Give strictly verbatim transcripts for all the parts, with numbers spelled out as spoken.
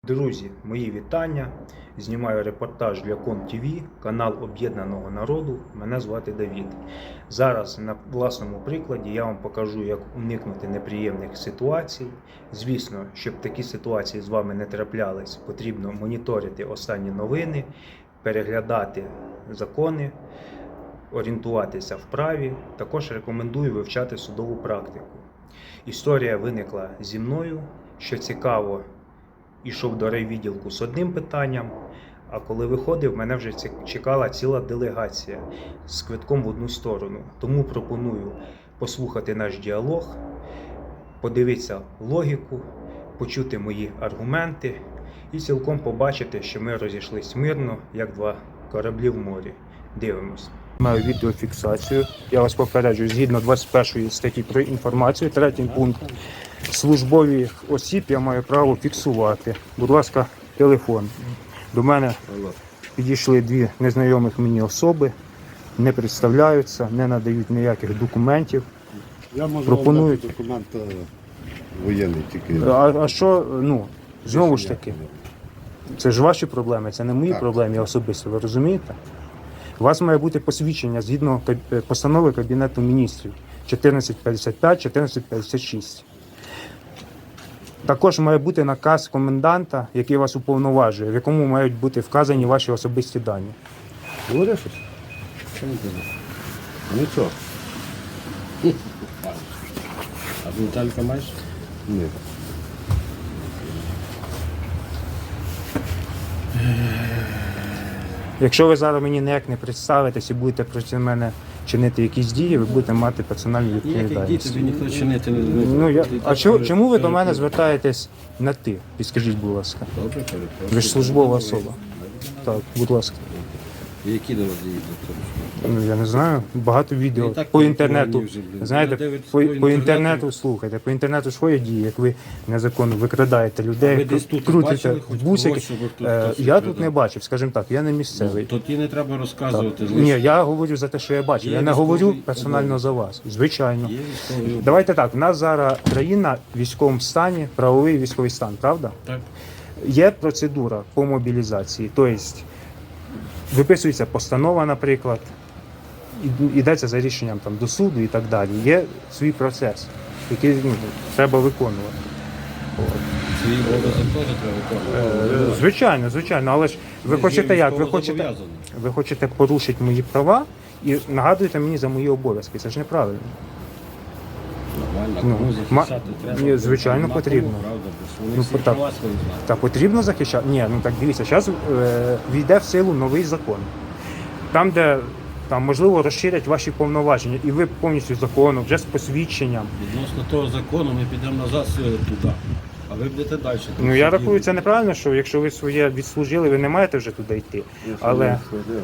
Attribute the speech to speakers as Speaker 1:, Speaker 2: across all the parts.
Speaker 1: Друзі, мої вітання. Знімаю репортаж для Ком ТВ, канал Об'єднаного народу. Мене звати Давід. Зараз на власному прикладі я вам покажу, як уникнути неприємних ситуацій. Звісно, щоб такі ситуації з вами не траплялись, потрібно моніторити останні новини, переглядати закони, орієнтуватися в праві. Також рекомендую вивчати судову практику. Історія виникла зі мною, що цікаво. Ішов до райвідділку з одним питанням, а коли виходив, мене вже чекала ціла делегація з квитком в одну сторону. Тому пропоную послухати наш діалог, подивитися логіку, почути мої аргументи і цілком побачити, що ми розійшлись мирно, як два кораблі в морі. Дивимось. Маю відеофіксацію. Я вас попереджую, згідно двадцять першої статті про інформацію, третій пункт. Службових осіб я маю право фіксувати. Будь ласка, телефон. До мене підійшли дві незнайомих мені особи, не представляються, не надають ніяких документів.
Speaker 2: Я можу
Speaker 1: пропонують
Speaker 2: документ воєнний тільки.
Speaker 1: А, а що, ну, знову ж таки, це ж ваші проблеми, це не мої
Speaker 2: так,
Speaker 1: проблеми особисто, ви розумієте? У вас має бути посвідчення згідно постанови Кабінету міністрів чотирнадцять п'ятдесят п'ять, чотирнадцять п'ятдесят шість. Також має бути наказ коменданта, який вас уповноважує, в якому мають бути вказані ваші особисті дані.
Speaker 2: Говориш щось? Що не кажу? Нічого.
Speaker 3: А Віталіка маєш?
Speaker 2: Ні.
Speaker 1: Якщо ви зараз мені ніяк не представитесь і будете проти мене чинити якісь дії, ви будете мати персональну
Speaker 3: Ніяких дій
Speaker 1: відповідальність.
Speaker 3: тобі ніхто чинити не буде.
Speaker 1: Ну, я...
Speaker 3: Ти
Speaker 1: А
Speaker 3: так
Speaker 1: чому,
Speaker 3: перед-
Speaker 1: чому ви до
Speaker 3: перед-
Speaker 1: мене звертаєтесь на ти? Підскажіть, будь ласка.
Speaker 3: Добре, перепрошую.
Speaker 1: Ви ж службова особа. Так, будь ласка.
Speaker 3: Які до вас дії до того?
Speaker 1: Ну, я не знаю, багато відео
Speaker 3: І так
Speaker 1: по
Speaker 3: переконані
Speaker 1: інтернету.
Speaker 3: вже, блін.
Speaker 1: Знаєте,
Speaker 3: Люди дивляться
Speaker 1: по,
Speaker 3: по
Speaker 1: по
Speaker 3: інтернету.
Speaker 1: інтернету слухайте, по інтернету свої дії, як ви незаконно викрадаєте
Speaker 3: А
Speaker 1: людей,
Speaker 3: ви десь тут
Speaker 1: крутите
Speaker 3: бачили хоч
Speaker 1: бусики.
Speaker 3: когось, щоб тут
Speaker 1: Е,
Speaker 3: хтось
Speaker 1: Я тут
Speaker 3: викрадав?
Speaker 1: не бачив, скажімо так, я не місцевий.
Speaker 3: То ті не треба розказувати.
Speaker 1: Ні, я говорю за те, що я бачив.
Speaker 3: Є
Speaker 1: Я не
Speaker 3: військовий
Speaker 1: говорю персонально
Speaker 3: обов'язок.
Speaker 1: за вас. Звичайно.
Speaker 3: Є військовий.
Speaker 1: Давайте так, в нас зараз країна в військовому стані, правовий військовий стан, правда?
Speaker 3: Так.
Speaker 1: Є процедура по мобілізації, тобто виписується постанова, наприклад, і- йдеться за рішенням там, до суду і так далі. Є свій процес, який ну, треба виконувати.
Speaker 3: Свій обов'язок теж треба виконувати.
Speaker 1: Е, Звичайно, звичайно, але ж ви
Speaker 3: Ми
Speaker 1: хочете
Speaker 3: ж
Speaker 1: як? Ви
Speaker 3: військово
Speaker 1: хочете,
Speaker 3: зобов'язані.
Speaker 1: ви хочете порушити мої права і нагадуєте мені за мої обов'язки. Це ж неправильно.
Speaker 3: Нормально,
Speaker 1: Ну,
Speaker 3: кому
Speaker 1: ма-
Speaker 3: захищати треба.
Speaker 1: Ні, звичайно,
Speaker 3: Нема
Speaker 1: потрібно.
Speaker 3: кому, правда, бо ж вони
Speaker 1: Ну,
Speaker 3: всі
Speaker 1: так.
Speaker 3: права свої знають.
Speaker 1: Та потрібно захищати? Ні, ну так дивіться, зараз е, війде в силу новий закон. Там, де там, можливо, розширять ваші повноваження, і ви повністю законом, вже з посвідченням.
Speaker 3: Відносно того закону ми підемо назад е, туди, а ви будете далі.
Speaker 1: Ну я рахую, це неправильно, що якщо ви своє відслужили, ви не маєте вже туди йти. Але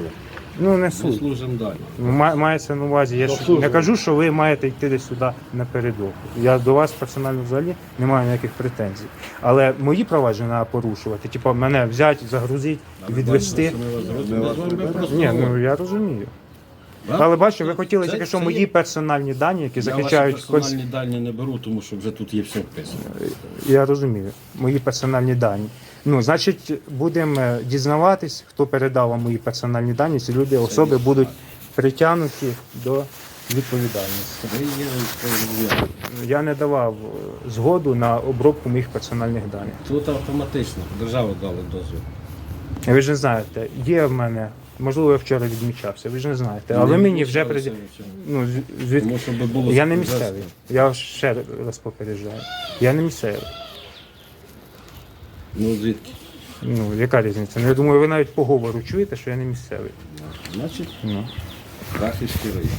Speaker 1: ну не
Speaker 3: Ми
Speaker 1: суть.
Speaker 3: служимо далі.
Speaker 1: Ма- Мається на увазі. Я ж не кажу, що ви маєте йти десь сюди напередок. Я до вас персонально взагалі не маю ніяких претензій. Але мої права ж не треба порушувати. Типу мене взяти, загрузити, відвести.
Speaker 3: Ми вас зрозуміли. Ми з вами просто
Speaker 1: Ні, ну
Speaker 3: говоримо.
Speaker 1: я розумію.
Speaker 3: Да?
Speaker 1: Але бачите, ви хотіли
Speaker 3: Це-
Speaker 1: тільки що
Speaker 3: це
Speaker 1: мої
Speaker 3: є-
Speaker 1: персональні дані, які
Speaker 3: Я
Speaker 1: захищають
Speaker 3: ваші
Speaker 1: конс-
Speaker 3: персональні дані не беру, тому що вже тут є все вписано.
Speaker 1: Я розумію, мої персональні дані. Ну, значить, будемо е, дізнаватись, хто передав вам мої персональні дані. Ці люди, особи будуть притягнуті до відповідальності.
Speaker 3: Ви є військовий.
Speaker 1: Я не давав е, згоду на обробку моїх персональних даних.
Speaker 3: Тут автоматично держава дала дозвіл.
Speaker 1: Ви ж не знаєте, є в мене, можливо, я вчора відмічався, ви ж не знаєте, але
Speaker 3: Не
Speaker 1: мені вже
Speaker 3: відмічалися
Speaker 1: пред...
Speaker 3: в цьому.
Speaker 1: ну, з- звід...
Speaker 3: Тому щоб було
Speaker 1: Я не
Speaker 3: вже-
Speaker 1: місцевий. Я ще раз попереджаю. Я не місцевий.
Speaker 3: Ну звідки?
Speaker 1: Ну, яка різниця? Ну, я думаю, ви навіть по говору чуєте, що я не місцевий.
Speaker 3: Значить,
Speaker 1: Ну.
Speaker 3: Рахівський район.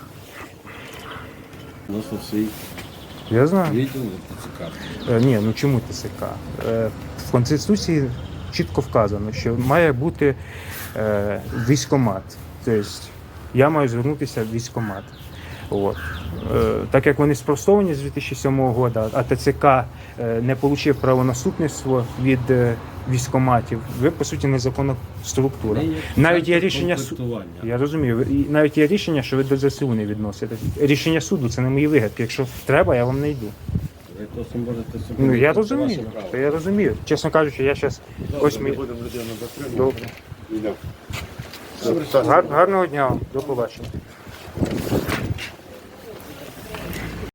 Speaker 3: Відносно свій
Speaker 1: Я знаю.
Speaker 3: відділ ТЦК.
Speaker 1: Е, ні, ну чому ТСК? Е, в Конституції чітко вказано, що має бути е, військкомат. Тобто я маю звернутися в військкомат. От. Е, так як вони спростовані з дві тисячі сьомого року, а ТЦК е, не отримав правонаступництво від е, військкоматів, ви, по суті, незаконна структура.
Speaker 3: Ми є
Speaker 1: Навіть є
Speaker 3: центр
Speaker 1: рішення суду.
Speaker 3: комплектування.
Speaker 1: Я розумію. Ви- і навіть є рішення, що ви до ЗСУ не відносите. Рішення суду це не мої вигадки. Якщо треба, я вам не йду.
Speaker 3: Ви то можете собі.
Speaker 1: Ну я
Speaker 3: це
Speaker 1: розумію,
Speaker 3: ваше право.
Speaker 1: то я розумію. Чесно кажучи, я зараз ось
Speaker 2: Ми
Speaker 1: ми.
Speaker 2: будемо людину затримувати.
Speaker 1: Добре.
Speaker 2: Йдемо.
Speaker 3: Добре.
Speaker 2: Все,
Speaker 1: Гар- Гарного дня вам, до побачення.